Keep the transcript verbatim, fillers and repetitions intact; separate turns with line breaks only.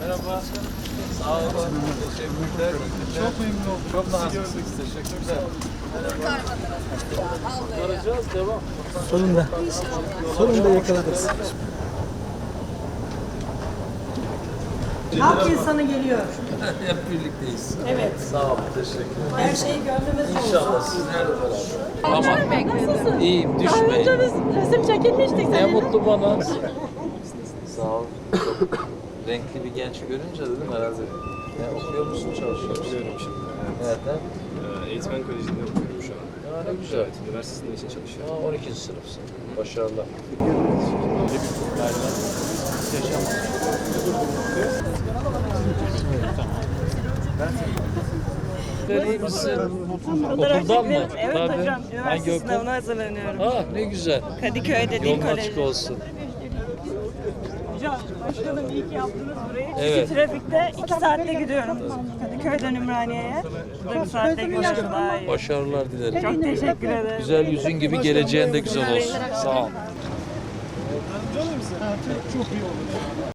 Merhaba. Sağ olun. Teşekkürler. Çok memnun oldum. Çok naziksiniz. Teşekkürler. Kurtaracağız. Devam.
Sonunda. Sonunda yakaladınız.
Halk insanı geliyor.
Hep birlikteyiz.
Evet.
Sağ olun. Teşekkürler.
Her şeyi gönlümüzde olsun.
İnşallah sizlerle beraber. Ama
Nasılsın?
iyiyim.
Daha önce
Düşmeyin.
biz resim çekilmiştik
Ne
seninle.
mutlu bana. Sağ ol. Çok renkli bir genç görünce dedim herhalde. Ne okuyor musun, çalışıyor musun?
Okuyorum şimdi. Evet.
Nerede?
Ee, Eğitmen Koleji'nde okuyorum şu an.
Ya ne güzel.
Evet, üniversitesinde için çalışıyorum.
Ya on ikinci sınıfsın. Başarılar. İyi misin? Okuldan mı?
Evet
Tabii.
hocam,
Hangi
üniversite
okul?
sınavına hazırlanıyorum.
Ah ne güzel.
Kadıköy'de Dil
Yolun açık
Koleji.
olsun.
Hocam, başkanım iyi ki yaptınız burayı.
Evet.
İki trafikte iki saatte gidiyorum. Kadıköy'den Ümraniye'ye. Burada bir saatte gidiyorum daha iyi.
Başarılar dilerim.
Çok teşekkür ederim.
Güzel yüzün gibi geleceğin de güzel olsun. Sağ ol.